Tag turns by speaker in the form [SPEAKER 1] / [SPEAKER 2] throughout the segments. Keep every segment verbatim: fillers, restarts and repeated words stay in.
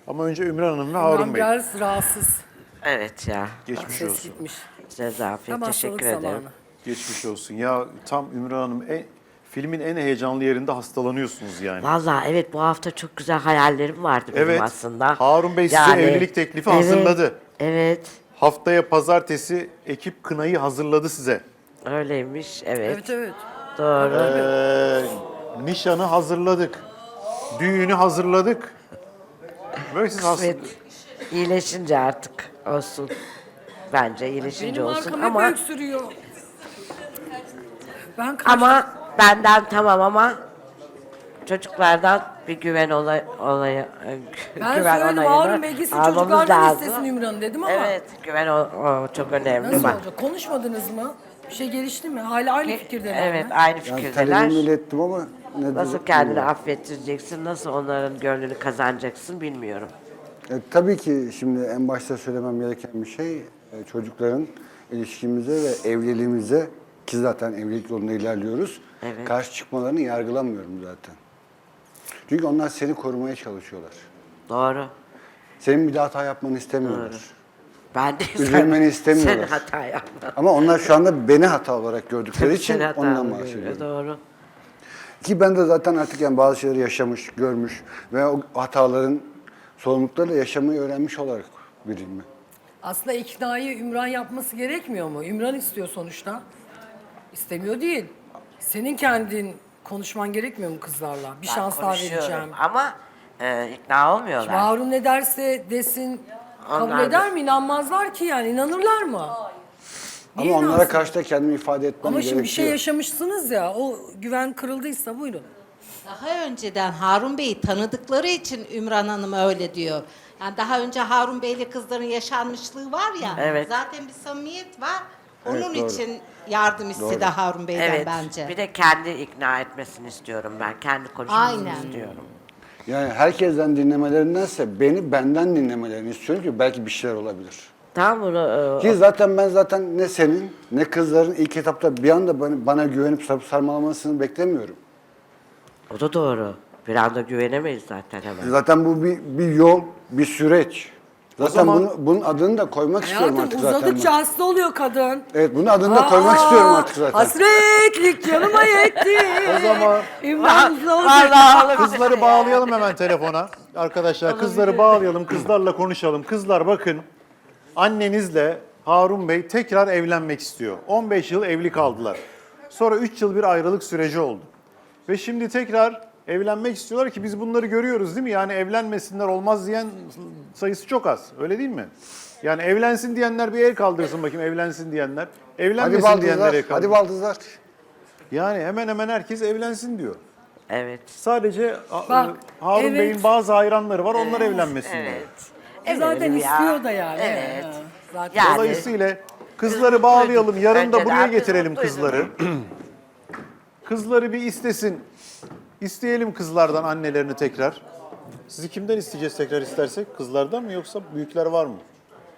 [SPEAKER 1] Ama önce Ümran Hanım ve Harun
[SPEAKER 2] Ümran
[SPEAKER 1] Bey.
[SPEAKER 2] biraz rahatsız.
[SPEAKER 3] Evet ya.
[SPEAKER 1] Geçmiş
[SPEAKER 2] Ses
[SPEAKER 1] olsun.
[SPEAKER 2] gitmiş.
[SPEAKER 3] Size afiyet.
[SPEAKER 2] Tam hastalık
[SPEAKER 3] Teşekkür ederim.
[SPEAKER 2] zamanı.
[SPEAKER 1] Geçmiş olsun. Ya tam Ümran Hanım en, filmin en heyecanlı yerinde hastalanıyorsunuz yani.
[SPEAKER 3] Vallahi evet, bu hafta çok güzel hayallerim vardı benim
[SPEAKER 1] Evet.
[SPEAKER 3] aslında.
[SPEAKER 1] Harun Bey size
[SPEAKER 3] Yani,
[SPEAKER 1] evlilik teklifi
[SPEAKER 3] evet,
[SPEAKER 1] hazırladı.
[SPEAKER 3] Evet.
[SPEAKER 1] Haftaya pazartesi ekip kınayı hazırladı size.
[SPEAKER 3] Öyleymiş. Evet.
[SPEAKER 2] Evet evet.
[SPEAKER 3] Doğru.
[SPEAKER 1] Ee, nişanı hazırladık. Düğünü hazırladık. Böyle siz hasta...
[SPEAKER 3] Evet. İyileşince artık olsun. Bence iyileşince
[SPEAKER 2] Benim
[SPEAKER 3] olsun
[SPEAKER 2] arkam hep
[SPEAKER 3] ama
[SPEAKER 2] öksürüyor. Ben kaç...
[SPEAKER 3] ama benden tamam ama çocuklardan bir güven olay, olayı
[SPEAKER 2] Ben
[SPEAKER 3] güven
[SPEAKER 2] söyledim
[SPEAKER 3] onayını
[SPEAKER 2] Harun Bey gitsin
[SPEAKER 3] almamız
[SPEAKER 2] çocuklardan
[SPEAKER 3] lazım.
[SPEAKER 2] istesin Ümran'ı dedim ama.
[SPEAKER 3] Evet, güven o, o çok önemli.
[SPEAKER 2] Nasıl
[SPEAKER 3] bak.
[SPEAKER 2] olacak? Konuşmadınız mı? Bir şey gelişti mi? Hala aynı fikirdeler
[SPEAKER 3] Evet,
[SPEAKER 2] mi?
[SPEAKER 3] aynı
[SPEAKER 4] Yani
[SPEAKER 3] fikirdeler.
[SPEAKER 4] talebimi ilettim ama ne
[SPEAKER 3] Nasıl
[SPEAKER 4] dedi-
[SPEAKER 3] kendini
[SPEAKER 4] bilmiyorum.
[SPEAKER 3] affettireceksin, nasıl onların gönlünü kazanacaksın bilmiyorum.
[SPEAKER 4] E, tabii ki şimdi en başta söylemem gereken bir şey e, çocukların ilişkimize ve evliliğimize, ki zaten evlilik yolunda ilerliyoruz,
[SPEAKER 3] Evet.
[SPEAKER 4] karşı çıkmalarını yargılamıyorum zaten. Çünkü onlar seni korumaya çalışıyorlar.
[SPEAKER 3] Doğru.
[SPEAKER 4] Senin bir daha hata yapmanı istemiyorlar.
[SPEAKER 3] Doğru. Ben de
[SPEAKER 4] Üzülmeni istemiyorlar.
[SPEAKER 3] Sen hata yapma.
[SPEAKER 4] Ama onlar şu anda beni hata olarak gördükleri için
[SPEAKER 3] Sen hata
[SPEAKER 4] ondan
[SPEAKER 3] yapma.
[SPEAKER 4] bahsediyorum.
[SPEAKER 3] Doğru.
[SPEAKER 4] Ki ben de zaten artık yani bazı şeyleri yaşamış, görmüş ve o hataların sorumluluklarıyla yaşamayı öğrenmiş olarak biriyim ben.
[SPEAKER 2] Aslında iknayı Ümran yapması gerekmiyor mu? Ümran istiyor sonuçta. İstemiyor değil. Senin kendin konuşman gerekmiyor mu kızlarla? Bir
[SPEAKER 3] Ben
[SPEAKER 2] şans daha
[SPEAKER 3] konuşuyorum
[SPEAKER 2] vereceğim.
[SPEAKER 3] ama e, ikna olmuyorlar.
[SPEAKER 2] Harun ne derse desin kabul
[SPEAKER 3] Onlar da-
[SPEAKER 2] eder mi? İnanmazlar ki yani. İnanırlar mı? Niye
[SPEAKER 4] Ama onlara
[SPEAKER 2] inansın?
[SPEAKER 4] karşı da kendimi ifade etmem
[SPEAKER 2] Ama
[SPEAKER 4] gerekiyor.
[SPEAKER 2] şimdi bir şey yaşamışsınız ya. O güven kırıldıysa buyurun.
[SPEAKER 5] Daha önceden Harun Bey'i tanıdıkları için Ümran Hanım öyle diyor. Yani daha önce Harun Bey'le kızların yaşanmışlığı var ya.
[SPEAKER 3] Evet.
[SPEAKER 5] Zaten bir samimiyet var. Onun
[SPEAKER 4] Evet, doğru.
[SPEAKER 5] için yardım istedi
[SPEAKER 4] Doğru.
[SPEAKER 5] Harun Bey'den
[SPEAKER 3] Evet.
[SPEAKER 5] bence.
[SPEAKER 3] Bir de kendi ikna etmesini istiyorum ben. Kendi konuşmasını
[SPEAKER 5] Aynen.
[SPEAKER 3] istiyorum.
[SPEAKER 4] Yani herkesten dinlemelerindense beni benden dinlemelerini istiyorum ki belki bir şeyler olabilir.
[SPEAKER 3] Tamam bunu e,
[SPEAKER 4] Ki zaten ben zaten ne senin ne kızların ilk etapta bir anda bana, bana güvenip sarıp sarmalamasını beklemiyorum.
[SPEAKER 3] o da doğru. Bir anda güvenemeyiz zaten hemen.
[SPEAKER 4] Zaten bu bir, bir yol, bir süreç. Zaten
[SPEAKER 1] zaman-
[SPEAKER 4] bunu, bunun adını da koymak istiyorum
[SPEAKER 2] Hayatım
[SPEAKER 4] artık zaten.
[SPEAKER 2] uzadıkça
[SPEAKER 4] ben.
[SPEAKER 2] hasta oluyor kadın.
[SPEAKER 4] Evet, bunun adını da koymak
[SPEAKER 2] Aa,
[SPEAKER 4] istiyorum artık zaten.
[SPEAKER 2] Hasretlik canıma yetti.
[SPEAKER 1] O zaman
[SPEAKER 2] İmran zor.
[SPEAKER 3] Vallahi
[SPEAKER 1] kızları bağlayalım hemen telefona. Arkadaşlar kızları bağlayalım, kızlarla konuşalım. Kızlar bakın, annenizle Harun Bey tekrar evlenmek istiyor. on beş yıl evli kaldılar. Sonra üç yıl bir ayrılık süreci oldu. Ve şimdi tekrar evlenmek istiyorlar ki biz bunları görüyoruz değil mi? Yani evlenmesinler olmaz diyen sayısı çok az. Öyle değil mi? Yani evlensin diyenler bir el kaldırsın bakayım, evlensin diyenler.
[SPEAKER 4] Hadi
[SPEAKER 1] Evlenmesin diyenler
[SPEAKER 4] baldızlar,
[SPEAKER 1] el kaldırsın.
[SPEAKER 4] hadi baldızlar.
[SPEAKER 1] Yani hemen hemen herkes evlensin diyor.
[SPEAKER 3] Evet.
[SPEAKER 1] Sadece a-
[SPEAKER 2] Bak,
[SPEAKER 1] Harun
[SPEAKER 2] evet.
[SPEAKER 1] Bey'in bazı hayranları var, onlar evlenmesin diyor.
[SPEAKER 3] Evet.
[SPEAKER 2] E zaten
[SPEAKER 3] Eminim ya.
[SPEAKER 2] istiyor da yani.
[SPEAKER 3] Evet.
[SPEAKER 2] Ha, Zaten.
[SPEAKER 3] Yani-
[SPEAKER 1] Dolayısıyla kızları bağlayalım, yarın da
[SPEAKER 3] Bence de
[SPEAKER 1] buraya
[SPEAKER 3] herkes
[SPEAKER 1] getirelim
[SPEAKER 3] mutluydu.
[SPEAKER 1] kızları. Kızları bir istesin. İsteyelim kızlardan annelerini tekrar. Sizi kimden isteyeceğiz tekrar istersek? Kızlardan mı yoksa büyükler var mı?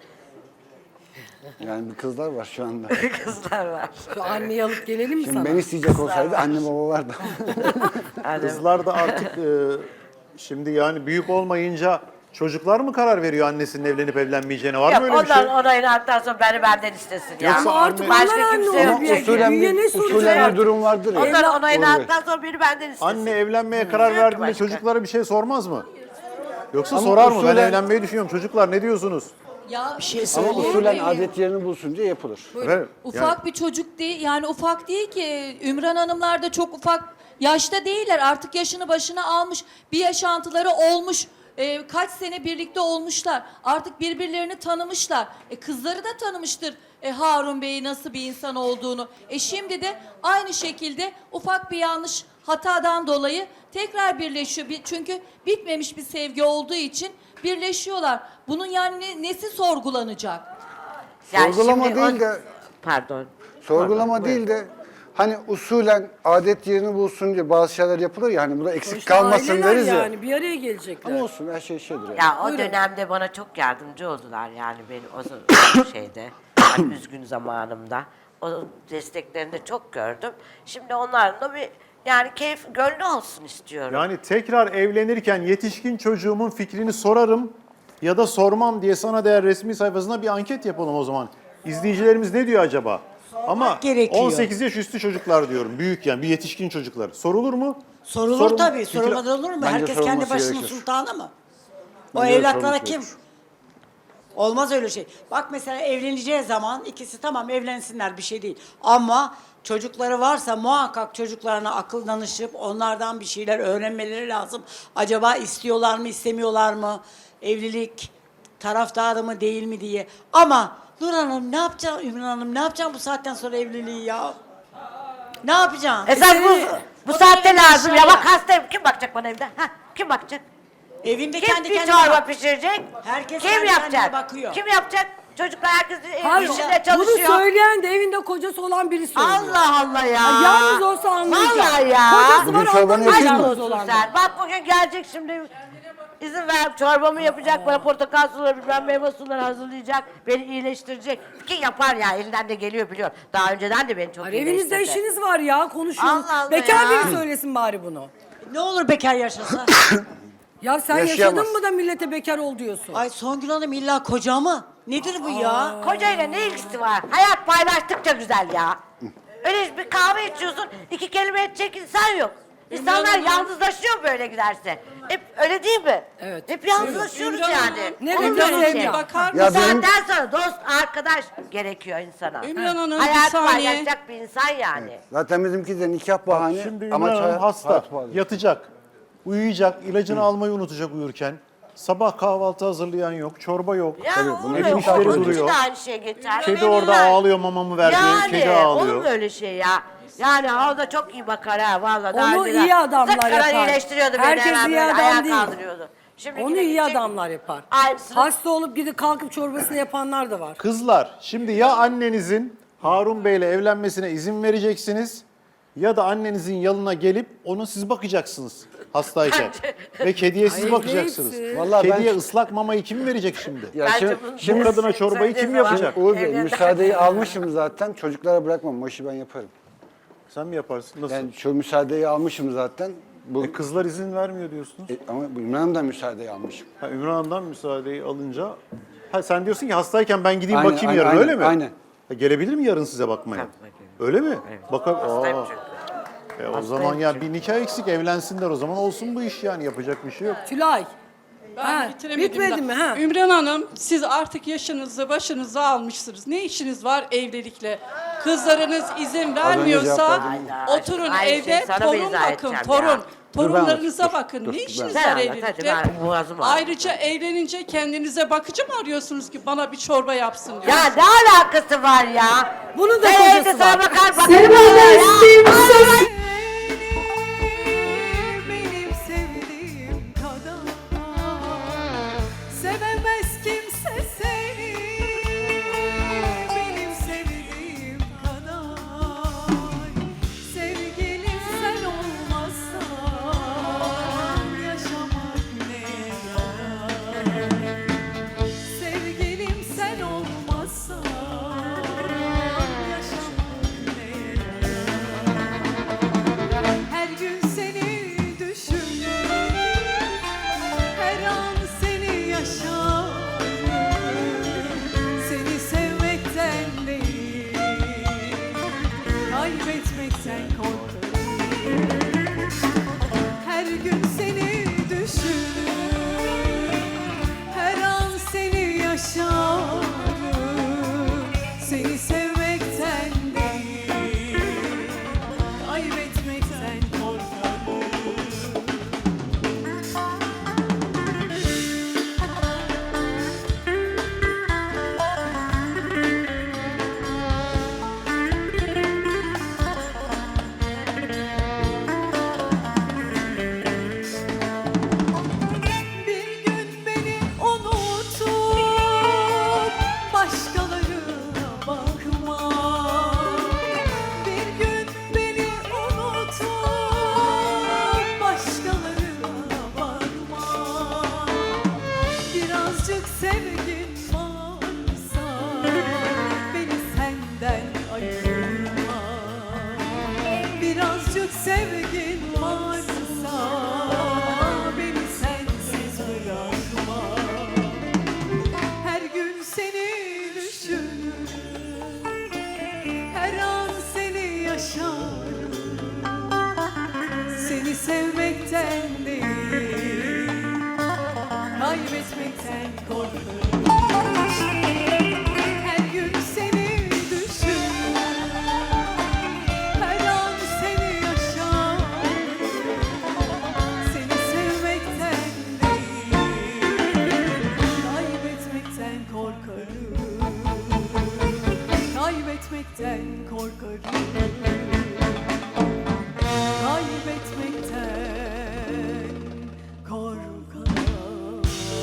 [SPEAKER 4] Yani bir kızlar var şu anda.
[SPEAKER 3] Kızlar var.
[SPEAKER 2] Şu anneyi alıp gelelim mi
[SPEAKER 4] Şimdi
[SPEAKER 2] sana?
[SPEAKER 4] beni isteyecek olsaydı anne baba vardı.
[SPEAKER 3] Yani,
[SPEAKER 1] Kızlar da artık e, şimdi yani büyük olmayınca çocuklar mı karar veriyor annesinin evlenip evlenmeyeceğine? Var
[SPEAKER 3] yok,
[SPEAKER 1] mı öyle bir
[SPEAKER 3] ondan
[SPEAKER 1] şey?
[SPEAKER 3] onayını aldıktan sonra beni benden istesin ya.
[SPEAKER 1] Yoksa
[SPEAKER 2] Ama artık
[SPEAKER 1] anne-
[SPEAKER 2] onlar
[SPEAKER 3] Başka
[SPEAKER 2] anne
[SPEAKER 3] kimse yok.
[SPEAKER 4] Ama
[SPEAKER 2] oluyor.
[SPEAKER 4] usulen
[SPEAKER 2] Büyüye ne
[SPEAKER 4] bir,
[SPEAKER 2] soracak
[SPEAKER 4] usulen bir
[SPEAKER 2] artık?
[SPEAKER 4] durum vardır ya.
[SPEAKER 3] Ondan onayını
[SPEAKER 4] Olur.
[SPEAKER 3] aldıktan sonra biri benden istesin.
[SPEAKER 1] Anne evlenmeye karar
[SPEAKER 3] Yok
[SPEAKER 1] verdiğinde
[SPEAKER 3] başka.
[SPEAKER 1] çocuklara bir şey sormaz mı? Yoksa
[SPEAKER 4] Ama
[SPEAKER 1] sorar mı? Ben
[SPEAKER 4] usulen-
[SPEAKER 1] evlenmeyi düşünüyorum. Çocuklar ne diyorsunuz?
[SPEAKER 6] Ya bir şey
[SPEAKER 4] Ama
[SPEAKER 6] söyleyeyim
[SPEAKER 4] usulen
[SPEAKER 6] mi?
[SPEAKER 4] adet yerini bulsun diye yapılır.
[SPEAKER 1] Evet,
[SPEAKER 6] Ufak
[SPEAKER 1] yani-
[SPEAKER 6] bir çocuk değil, yani ufak değil ki. Ümran Hanımlar da çok ufak yaşta değiller. Artık yaşını başına almış, bir yaşantıları olmuş. Ee, kaç sene birlikte olmuşlar. Artık birbirlerini tanımışlar. E, kızları da tanımıştır e, Harun Bey'i nasıl bir insan olduğunu. E şimdi de aynı şekilde ufak bir yanlış hatadan dolayı tekrar birleşiyor. Bir- Çünkü bitmemiş bir sevgi olduğu için birleşiyorlar. Bunun yani ne- nesi sorgulanacak?
[SPEAKER 3] Yani
[SPEAKER 4] Sorgulama
[SPEAKER 3] şimdi
[SPEAKER 4] değil
[SPEAKER 3] o-
[SPEAKER 4] de-
[SPEAKER 3] Pardon.
[SPEAKER 4] Sorgulama
[SPEAKER 3] Pardon,
[SPEAKER 4] değil de hani usulen adet yerini bulsun diye bazı şeyler yapılır ya hani bu da eksik
[SPEAKER 2] Sonuçta
[SPEAKER 4] kalmasın
[SPEAKER 2] aileler
[SPEAKER 4] deriz ya.
[SPEAKER 2] yani bir araya gelecekler.
[SPEAKER 4] Ama olsun her şey şeydir yani.
[SPEAKER 3] Ya o
[SPEAKER 2] Buyurun.
[SPEAKER 3] dönemde bana çok yardımcı oldular yani benim o z- şeyde, hani üzgün zamanımda. O desteklerini de çok gördüm. Şimdi onların da bir Yani keyif, gönlü olsun istiyorum.
[SPEAKER 1] Yani tekrar evlenirken yetişkin çocuğumun fikrini sorarım ya da sormam diye Sana Değer resmi sayfasında bir anket yapalım o zaman. İzleyicilerimiz ne diyor acaba? Ama
[SPEAKER 7] gerekiyor.
[SPEAKER 1] on sekiz yaş üstü çocuklar diyorum. Büyük yani bir yetişkin çocuklar. Sorulur mu?
[SPEAKER 7] Sorulur
[SPEAKER 1] Sorun-
[SPEAKER 7] tabii.
[SPEAKER 1] fikir-
[SPEAKER 7] Sorulmadan olur mu?
[SPEAKER 4] Bence
[SPEAKER 7] Herkes kendi
[SPEAKER 4] sorulması
[SPEAKER 7] başının
[SPEAKER 4] gerekir.
[SPEAKER 7] sultanı mı? O
[SPEAKER 4] Bence de
[SPEAKER 7] evlatlara
[SPEAKER 4] sorulması
[SPEAKER 7] kim?
[SPEAKER 4] gerekir.
[SPEAKER 7] Olmaz öyle şey. Bak mesela evleneceği zaman ikisi tamam evlensinler bir şey değil. Ama çocukları varsa muhakkak çocuklarına akıl danışıp onlardan bir şeyler öğrenmeleri lazım. Acaba istiyorlar mı istemiyorlar mı? Evlilik taraftarı mı değil mi diye. Ama Nur Hanım ne yapacaksın Ümran Hanım ne yapacaksın bu saatten sonra evliliği ya? Ne yapacaksın?
[SPEAKER 3] Esas bu, bu saatte lazım ya. Bak hastayım. Kim bakacak bana evde? Ha, kim bakacak?
[SPEAKER 7] Evinde
[SPEAKER 3] Kim
[SPEAKER 7] kendi
[SPEAKER 3] bir
[SPEAKER 7] kendine
[SPEAKER 3] çorba
[SPEAKER 7] bak.
[SPEAKER 3] pişirecek?
[SPEAKER 7] Herkes
[SPEAKER 3] Kim
[SPEAKER 7] kendi
[SPEAKER 3] yapacak?
[SPEAKER 7] kendine bakıyor.
[SPEAKER 3] Kim yapacak? Çocuklar herkes
[SPEAKER 2] Hayır,
[SPEAKER 3] işinde
[SPEAKER 2] bunu
[SPEAKER 3] çalışıyor.
[SPEAKER 2] söyleyen de evinde kocası olan biri söylüyor.
[SPEAKER 3] Allah Allah ya.
[SPEAKER 2] Ha, yalnız olsa anlayacak.
[SPEAKER 3] Vallahi ya.
[SPEAKER 2] Kocası
[SPEAKER 4] Bugün
[SPEAKER 2] var
[SPEAKER 4] çorbanı
[SPEAKER 2] anlamıyor
[SPEAKER 4] yapayım
[SPEAKER 3] Aşk
[SPEAKER 4] mı?
[SPEAKER 2] yalnız
[SPEAKER 3] olsun
[SPEAKER 2] olan.
[SPEAKER 3] sen. Bak bugün gelecek şimdi. İzin ver çorbamı yapacak bana portakal suları bilmem meyve suları hazırlayacak. Beni iyileştirecek. Ki yapar ya elinden de geliyor biliyor. Daha önceden de beni çok
[SPEAKER 2] Hayır,
[SPEAKER 3] iyileştirdi.
[SPEAKER 2] evinizde işiniz var ya konuşuyorsunuz.
[SPEAKER 3] Allah Allah
[SPEAKER 2] Bekar
[SPEAKER 3] ya.
[SPEAKER 2] biri söylesin bari bunu.
[SPEAKER 7] Ne olur bekar yaşasa?
[SPEAKER 2] Ya sen
[SPEAKER 4] Yaşayamaz.
[SPEAKER 2] yaşadın mı da millete bekar ol diyorsun.
[SPEAKER 7] Ay Songül Hanım illa koca mı? Nedir bu ya?
[SPEAKER 3] Kocayla ne ilgisi var? Hayat paylaştıkça güzel ya. Öyle bir kahve içiyorsun, iki kelime edecek insan yok. İnsanlar yalnızlaşıyor böyle giderse. Hep öyle değil mi?
[SPEAKER 2] Evet.
[SPEAKER 3] Hep yalnızlaşıyoruz
[SPEAKER 6] Ümran
[SPEAKER 3] yani.
[SPEAKER 6] Hanım,
[SPEAKER 2] Ne
[SPEAKER 3] Olur
[SPEAKER 2] güzel
[SPEAKER 3] böyle
[SPEAKER 2] evde.
[SPEAKER 3] şey.
[SPEAKER 6] Bakar
[SPEAKER 3] Bu
[SPEAKER 4] Ya benim-
[SPEAKER 3] saatten sonra dost, arkadaş gerekiyor insana.
[SPEAKER 6] Ümran Hanım, bir
[SPEAKER 3] Hayat
[SPEAKER 6] saniye.
[SPEAKER 3] paylaşacak bir insan yani.
[SPEAKER 4] Zaten bizimki de nikah bahane.
[SPEAKER 1] Şimdi
[SPEAKER 4] ama
[SPEAKER 1] Ümran Hanım
[SPEAKER 4] hayat-
[SPEAKER 1] hasta,
[SPEAKER 4] hayat bahane.
[SPEAKER 1] yatacak, uyuyacak, ilacını almayı unutacak uyurken. Sabah kahvaltı hazırlayan yok, çorba yok.
[SPEAKER 3] Ya
[SPEAKER 4] Tabii,
[SPEAKER 3] olur
[SPEAKER 4] bunun
[SPEAKER 3] mu?
[SPEAKER 1] evin işleri
[SPEAKER 3] Onun için
[SPEAKER 1] duruyor.
[SPEAKER 3] de aynı şey geçer.
[SPEAKER 1] Kedi orada
[SPEAKER 3] Verirler.
[SPEAKER 1] ağlıyor, mamamı ver diyor,
[SPEAKER 3] Yani
[SPEAKER 1] kedi
[SPEAKER 3] olur
[SPEAKER 1] ağlıyor.
[SPEAKER 3] mu öyle şey ya? Yani o da çok iyi bakar ha vallahi. Daha
[SPEAKER 2] Onu
[SPEAKER 3] önceden
[SPEAKER 2] iyi adamlar
[SPEAKER 3] sık
[SPEAKER 2] yapar.
[SPEAKER 3] karar iyileştiriyordu beni
[SPEAKER 2] Herkes
[SPEAKER 3] hemen
[SPEAKER 2] iyi
[SPEAKER 3] böyle
[SPEAKER 2] adam
[SPEAKER 3] ayağa
[SPEAKER 2] değil.
[SPEAKER 3] kaldırıyordu. Şimdi
[SPEAKER 2] Onu
[SPEAKER 3] yine
[SPEAKER 2] iyi
[SPEAKER 3] gidecek-
[SPEAKER 2] adamlar yapar.
[SPEAKER 3] Aynısını-
[SPEAKER 2] Hasta olup gidip kalkıp çorbasını yapanlar da var.
[SPEAKER 1] Kızlar, şimdi ya annenizin Harun Bey'le evlenmesine izin vereceksiniz ya da annenizin yanına gelip onu siz bakacaksınız hastayken. Ve kediye siz
[SPEAKER 2] Ay,
[SPEAKER 1] bakacaksınız.
[SPEAKER 2] hepsi.
[SPEAKER 4] Vallahi ben-
[SPEAKER 1] Kediye ıslak mamayı kim verecek şimdi?
[SPEAKER 4] Ya
[SPEAKER 3] Bence
[SPEAKER 4] şimdi,
[SPEAKER 3] bunu-
[SPEAKER 4] şimdi
[SPEAKER 1] Bu kadına çorbayı kim
[SPEAKER 3] Söylediği zaman-
[SPEAKER 1] yapacak?
[SPEAKER 4] Uğur Bey
[SPEAKER 3] Evlenir.
[SPEAKER 4] müsaadeyi almışım zaten. Çocuklara bırakmam. O işi ben yaparım.
[SPEAKER 1] Sen mi yaparsın? Nasıl?
[SPEAKER 4] Yani şu müsaadeyi almışım zaten. Bu,
[SPEAKER 1] E, kızlar izin vermiyor diyorsunuz.
[SPEAKER 4] E, ama bu İmran Hanım'dan müsaadeyi almışım.
[SPEAKER 1] Ha, Ümran Hanım'dan müsaadeyi alınca... Ha, sen diyorsun ki hastayken ben gideyim
[SPEAKER 4] Aynen,
[SPEAKER 1] bakayım
[SPEAKER 4] aynen,
[SPEAKER 1] yarın
[SPEAKER 4] aynen,
[SPEAKER 1] öyle mi?
[SPEAKER 4] aynen.
[SPEAKER 1] Ha, gelebilir mi yarın size bakmaya? Öyle mi? Bakar.
[SPEAKER 3] Hastayım
[SPEAKER 1] Aa.
[SPEAKER 3] çünkü.
[SPEAKER 1] E, o zaman ya bir nikah eksik evlensinler o zaman olsun bu iş yani yapacak bir şey yok.
[SPEAKER 2] Tülay.
[SPEAKER 6] Ben
[SPEAKER 2] Ha,
[SPEAKER 6] bitiremedim
[SPEAKER 2] bitmedi
[SPEAKER 6] daha.
[SPEAKER 2] mi, ha?
[SPEAKER 6] Ümran Hanım siz artık yaşınızı başınıza almışsınız. Ne işiniz var evlilikle? Kızlarınız izin vermiyorsa
[SPEAKER 4] cevap
[SPEAKER 3] verdim.
[SPEAKER 6] oturun
[SPEAKER 3] Aynı şeyi
[SPEAKER 6] evde
[SPEAKER 3] sana mı
[SPEAKER 6] torun
[SPEAKER 3] izah
[SPEAKER 6] bakın
[SPEAKER 3] edeceğim
[SPEAKER 6] torun.
[SPEAKER 3] ya?
[SPEAKER 4] Dur ben
[SPEAKER 6] Torunlarınıza
[SPEAKER 4] anlatayım,
[SPEAKER 6] bakın.
[SPEAKER 4] dur,
[SPEAKER 6] ne
[SPEAKER 4] dur,
[SPEAKER 6] işiniz
[SPEAKER 3] ben-
[SPEAKER 6] var
[SPEAKER 3] Sen anlat, hadi,
[SPEAKER 6] evlilikte?
[SPEAKER 3] ben boğazım ağrıyor.
[SPEAKER 6] Ayrıca evlenince kendinize bakıcı mı arıyorsunuz ki bana bir çorba yapsın diyor.
[SPEAKER 3] Ya ne alakası var ya?
[SPEAKER 2] Bunun da
[SPEAKER 3] Sen evde
[SPEAKER 2] kocası
[SPEAKER 3] sana
[SPEAKER 2] var.
[SPEAKER 3] bakar bakar.
[SPEAKER 8] Benim sevdiğim kadar sevemez kimse seni. Benim sevdiğim kadar sevgilim sen olmazsan yaşamak ne yarar? Sevgilim sen olmazsan yaşamak ne yarar? Her gün seni düşünür, her an seni yaşarım. Seni sevmekten değil, kaybetmekten korkarım. Her gün seni düşünür, Artık sevgin varsa beni sensiz bırakma. Her gün seni düşünür, her an seni yaşarım. Seni sevmekten değil, kaybetmekten korkarım. Her gün seni düşünür, her an seni yaşarım. Seni sevmekten değil, kaybetmekten korkarım. Kaybetmekten korkarım. Kaybetmekten korkarım.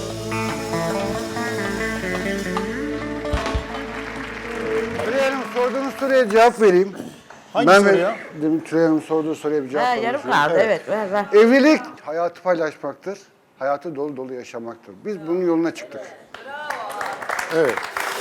[SPEAKER 4] Tülay Hanım sorduğunuz soruya cevap vereyim.
[SPEAKER 1] Hangi
[SPEAKER 4] ben
[SPEAKER 1] soruya?
[SPEAKER 4] Demin Tülay Hanım sorduğu soruya bir cevap
[SPEAKER 3] Ha,
[SPEAKER 4] vermek
[SPEAKER 3] yarım
[SPEAKER 4] istiyorum.
[SPEAKER 3] kaldı evet ver ver.
[SPEAKER 4] Evlilik hayatı paylaşmaktır. Hayatı dolu dolu yaşamaktır. Biz bunun yoluna çıktık.
[SPEAKER 1] Evet.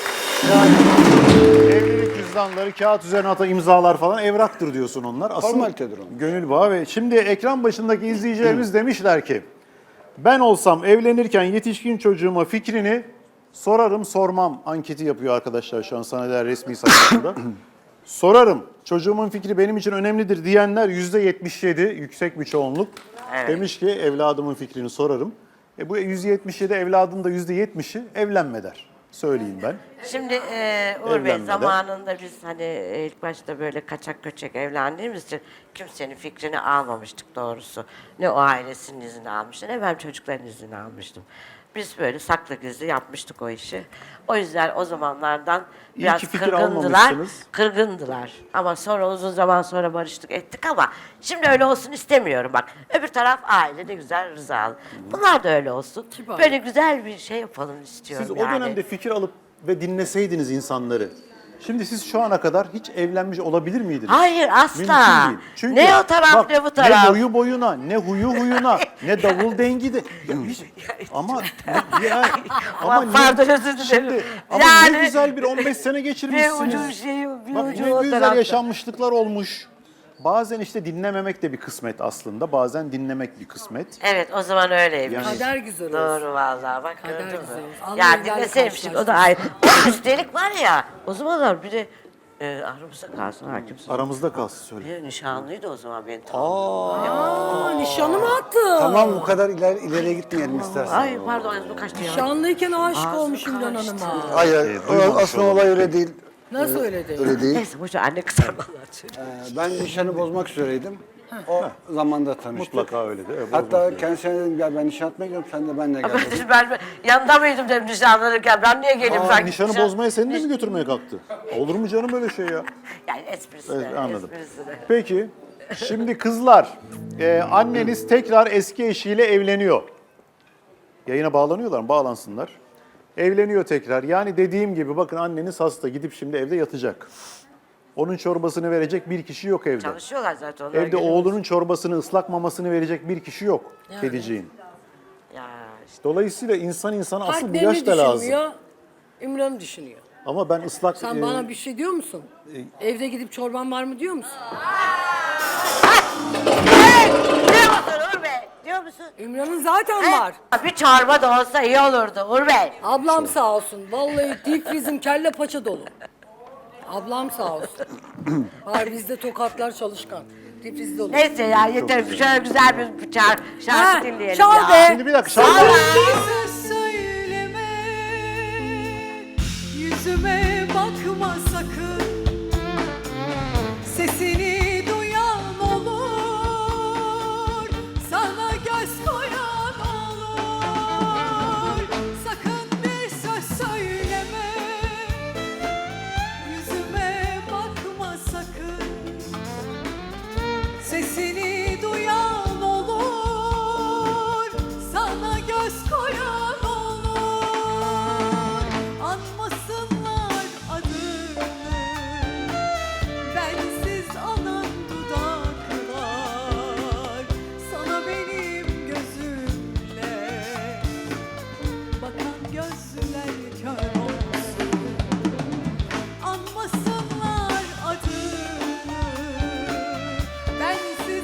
[SPEAKER 1] Evlilik cüzdanları, kağıt üzerine atan imzalar falan evraktır diyorsun onlar. Asıl
[SPEAKER 4] Formalitedir onlar.
[SPEAKER 1] gönül bağı ve şimdi ekran başındaki izleyicilerimiz demişler ki ben olsam evlenirken yetişkin çocuğuma fikrini sorarım sormam anketi yapıyor arkadaşlar şu an Saneler resmi sayfasında. Sorarım çocuğumun fikri benim için önemlidir diyenler yüzde yetmiş yedi yüksek bir çoğunluk.
[SPEAKER 3] Evet.
[SPEAKER 1] Demiş ki evladımın fikrini sorarım. E bu yüzde yetmiş yedi evladın da yüzde yetmişi evlenme der. Söyleyeyim ben.
[SPEAKER 3] Şimdi e, Uğur Bey
[SPEAKER 1] Evlenmeden.
[SPEAKER 3] zamanında biz hani e, ilk başta böyle kaçak göçek evlendiğimiz için kimsenin fikrini almamıştık doğrusu. Ne o ailesinin izni almıştı ne ben çocukların izni almıştım. Biz böyle saklı gizli yapmıştık o işi. O yüzden o zamanlardan
[SPEAKER 1] İyi
[SPEAKER 3] biraz
[SPEAKER 1] ki fikir
[SPEAKER 3] kırgındılar.
[SPEAKER 1] almamışsınız.
[SPEAKER 3] Kırgındılar. Ama sonra uzun zaman sonra barıştık ettik ama şimdi öyle olsun istemiyorum bak. Öbür taraf aile de güzel rızalı. Bunlar da öyle olsun.
[SPEAKER 2] Kibar.
[SPEAKER 3] Böyle güzel bir şey yapalım istiyorum
[SPEAKER 1] Siz o
[SPEAKER 3] yani.
[SPEAKER 1] dönemde fikir alıp ve dinleseydiniz insanları. Şimdi siz şu ana kadar hiç evlenmiş olabilir miydiniz?
[SPEAKER 3] Hayır asla.
[SPEAKER 1] Mümkün değil. Çünkü
[SPEAKER 3] ne o taraf
[SPEAKER 1] bak,
[SPEAKER 3] ne bu taraf.
[SPEAKER 1] Ne boyu boyuna, ne huyu huyuna, ne davul dengi de. Ya hiç- ama ne, ya, ama
[SPEAKER 3] Aman
[SPEAKER 1] ne-
[SPEAKER 3] pardon, özür dilerim.
[SPEAKER 1] Şimdi, ama
[SPEAKER 3] Yani-
[SPEAKER 1] ne güzel bir on beş sene
[SPEAKER 3] Bir
[SPEAKER 1] geçirmişsiniz.
[SPEAKER 3] ucu bir şey, bir
[SPEAKER 1] Bak
[SPEAKER 3] ucu
[SPEAKER 1] ne
[SPEAKER 3] o
[SPEAKER 1] güzel
[SPEAKER 3] tarafta.
[SPEAKER 1] yaşanmışlıklar olmuş. Bazen işte dinlememek de bir kısmet aslında. Bazen dinlemek bir kısmet.
[SPEAKER 3] Evet o zaman öyleymiş.
[SPEAKER 1] Yani-
[SPEAKER 2] Kader güzel olsun.
[SPEAKER 3] Doğru vallahi bak
[SPEAKER 2] Kader
[SPEAKER 3] gördün mü?
[SPEAKER 2] güzel olsun. Allah
[SPEAKER 3] Ya
[SPEAKER 2] ileride
[SPEAKER 3] dinleseymiştik o da ayrı. O üstelik var ya o zamanlar bir de e, aramızda kalsın hakimsin.
[SPEAKER 1] Aramızda kalsın söyle.
[SPEAKER 3] Bir nişanlıydı o zaman benim.
[SPEAKER 2] Aa, nişanı mı attı?
[SPEAKER 4] Tamam bu kadar ileri, ileriye gitmeyelim istersen.
[SPEAKER 3] Ay pardon bu kaçtı ya.
[SPEAKER 2] Nişanlıyken aşık
[SPEAKER 3] Ağzım
[SPEAKER 2] olmuş İmran
[SPEAKER 3] karıştı.
[SPEAKER 2] Hanım'a.
[SPEAKER 4] Hayır,
[SPEAKER 1] Ee,
[SPEAKER 4] o-
[SPEAKER 1] duymamış
[SPEAKER 4] aslında olay öyle değil.
[SPEAKER 2] Nasıl öyle değil?
[SPEAKER 4] Öyle değil.
[SPEAKER 3] Neyse boşver anne kızar vallahi.
[SPEAKER 4] Ee, Ben nişanı bozmak üzereydim. O zamanda tanıştık.
[SPEAKER 1] Mutlaka öyle de. Evet,
[SPEAKER 4] Hatta
[SPEAKER 1] bozmak
[SPEAKER 4] kendisine dedim gel ben nişan atmaya gidiyorum sen de benimle gel.
[SPEAKER 3] Ben,
[SPEAKER 4] dedim.
[SPEAKER 3] dedim, ben, ben yanında mıydım dedim nişanlanırken ben niye geleyim
[SPEAKER 1] Aa,
[SPEAKER 3] sanki?
[SPEAKER 1] nişanı
[SPEAKER 3] nişan-
[SPEAKER 1] bozmaya seni de mi götürmeye kalktı? Olur mu canım öyle şey ya?
[SPEAKER 3] Yani esprisine,
[SPEAKER 1] Evet, anladım.
[SPEAKER 3] esprisine.
[SPEAKER 1] Peki, şimdi kızlar, e, anneniz tekrar eski eşiyle evleniyor. Yayına bağlanıyorlar mı? Bağlansınlar. Evleniyor tekrar. Yani dediğim gibi bakın anneniz hasta. Gidip şimdi evde yatacak. Onun çorbasını verecek bir kişi yok evde.
[SPEAKER 3] Çalışıyorlar zaten onlar.
[SPEAKER 1] Evde
[SPEAKER 3] geliyor.
[SPEAKER 1] oğlunun çorbasını, ıslak mamasını verecek bir kişi yok kediciğin.
[SPEAKER 3] Ya işte.
[SPEAKER 1] Dolayısıyla insan insana asıl bu
[SPEAKER 2] Partnerini
[SPEAKER 1] yaş da lazım.
[SPEAKER 2] düşünmüyor, İmran'ı düşünüyor.
[SPEAKER 1] Ama ben ıslak...
[SPEAKER 2] Sen
[SPEAKER 1] e,
[SPEAKER 2] bana bir şey diyor musun? Evde gidip çorban var mı diyor musun?
[SPEAKER 3] Diyor musun Uğur Bey? Diyor musun?
[SPEAKER 2] İmran'ın zaten
[SPEAKER 3] He?
[SPEAKER 2] var.
[SPEAKER 3] Bir çorba da olsa iyi olurdu Uğur Bey.
[SPEAKER 2] Ablam sağ olsun. Vallahi deep freeze'im kelle paça dolu. Ablam sağ olsun. Var bizde tokatlar çalışkan. Deep freeze dolu.
[SPEAKER 3] Neyse ya yeter. Şöyle güzel bir şarkı, şarkı
[SPEAKER 2] Ha,
[SPEAKER 3] dinleyelim
[SPEAKER 2] çal
[SPEAKER 3] ya.
[SPEAKER 2] be.
[SPEAKER 1] Şimdi bir dakika. şarkı-
[SPEAKER 8] Bir söz söyleme, yüzüme bakma sakın. Sesini duyan olur, sana göz koyan olur. Sakın bir söz söyleme, yüzüme bakma sakın. Sesini duyan olur, sana göz koyan olur. Anmasınlar adını, bensiz anan dudaklar. Sana benim gözümle bakan gözler kör olsun. Anmasınlar adını, bensiz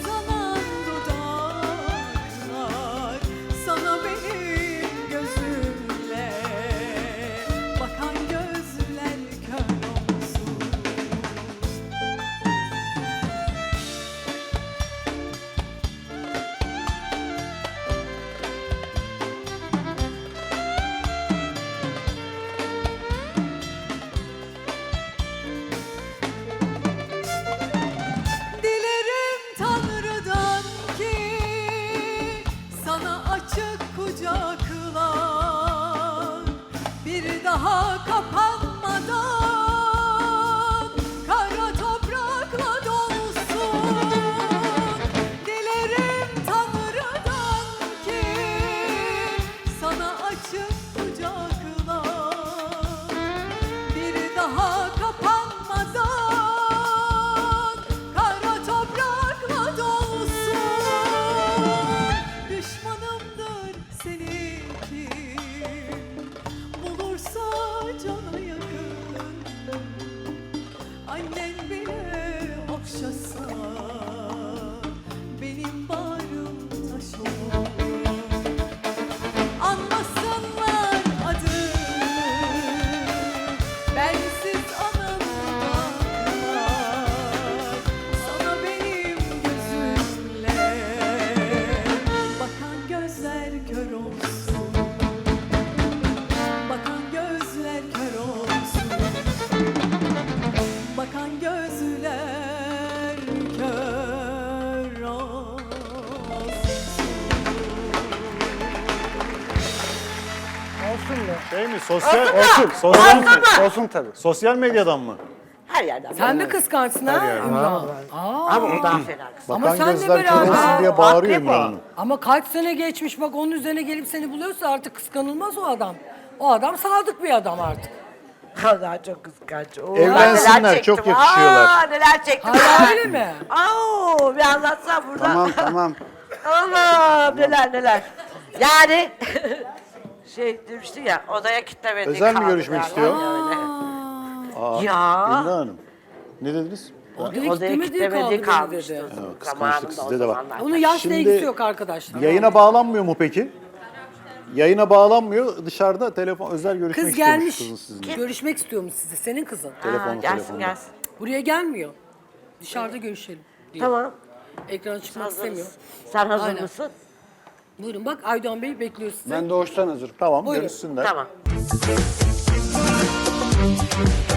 [SPEAKER 4] olsun mu?
[SPEAKER 1] Şey mi? Sosyal
[SPEAKER 4] Olsun.
[SPEAKER 1] sosyal
[SPEAKER 4] Olsun, olsun tabii.
[SPEAKER 1] sosyal medyadan mı?
[SPEAKER 3] Her yerden.
[SPEAKER 2] Sen mi kıskançsın ha Ümran? Aa,
[SPEAKER 3] Ama o daha fena kız.
[SPEAKER 2] Ama
[SPEAKER 1] Bakan
[SPEAKER 2] sen de
[SPEAKER 1] gözler
[SPEAKER 2] beraber-
[SPEAKER 1] kör diye
[SPEAKER 3] Aa,
[SPEAKER 1] bağırıyor
[SPEAKER 3] akrep o.
[SPEAKER 1] İmran Hanım.
[SPEAKER 2] ama kaç sene geçmiş bak onun üzerine gelip seni buluyorsa artık kıskanılmaz o adam. O adam sadık bir adam artık.
[SPEAKER 3] Allah çok kıskanç. Oo,
[SPEAKER 1] Evlensinler,
[SPEAKER 3] neler çektim.
[SPEAKER 1] çok yakışıyorlar.
[SPEAKER 3] Aa, neler çektim.
[SPEAKER 2] Hala öyle mi?
[SPEAKER 3] Aa, bir anlatsam burada.
[SPEAKER 4] Tamam tamam.
[SPEAKER 3] Allah neler neler. Yani şey demişti ya odaya kilitlemedi.
[SPEAKER 1] Özel mi
[SPEAKER 3] kaldı
[SPEAKER 1] görüşmek
[SPEAKER 3] yani,
[SPEAKER 1] istiyor?
[SPEAKER 3] öyle.
[SPEAKER 1] Aa,
[SPEAKER 3] Ya.
[SPEAKER 1] İmran Hanım. Ne dediniz?
[SPEAKER 2] Odaya
[SPEAKER 3] Odaya
[SPEAKER 2] kilitlemediği
[SPEAKER 3] kilitlemediği
[SPEAKER 2] kaldı
[SPEAKER 3] kalmıştı.
[SPEAKER 2] dedi.
[SPEAKER 1] kıskançlık
[SPEAKER 3] Zamanında o
[SPEAKER 1] sizde de var.
[SPEAKER 3] zamanlar.
[SPEAKER 2] Onun yaşla
[SPEAKER 1] Şimdi
[SPEAKER 2] ilgisi yok arkadaşlar.
[SPEAKER 1] Yayına bağlanmıyor mu peki? Yayına bağlanmıyor. Dışarıda telefon özel görüşmek
[SPEAKER 2] Kız
[SPEAKER 1] istiyormuş
[SPEAKER 2] gelmiş.
[SPEAKER 1] kızın sizinle.
[SPEAKER 2] Görüşmek istiyormuş sizi. Senin kızın.
[SPEAKER 3] Ha,
[SPEAKER 1] Telefonu,
[SPEAKER 3] gelsin
[SPEAKER 1] telefonda.
[SPEAKER 3] gelsin.
[SPEAKER 2] Buraya gelmiyor. Dışarıda görüşelim diyor.
[SPEAKER 3] Tamam.
[SPEAKER 2] Ekrana çıkmak istemiyor.
[SPEAKER 3] Hazırız. Sen hazır
[SPEAKER 2] Aynen.
[SPEAKER 3] mısın?
[SPEAKER 2] Buyurun bak Aydoğan Bey bekliyor sizi.
[SPEAKER 4] Ben doğuştan hazırım.
[SPEAKER 1] Tamam
[SPEAKER 2] Buyurun.
[SPEAKER 1] görüşsünler.
[SPEAKER 3] Tamam.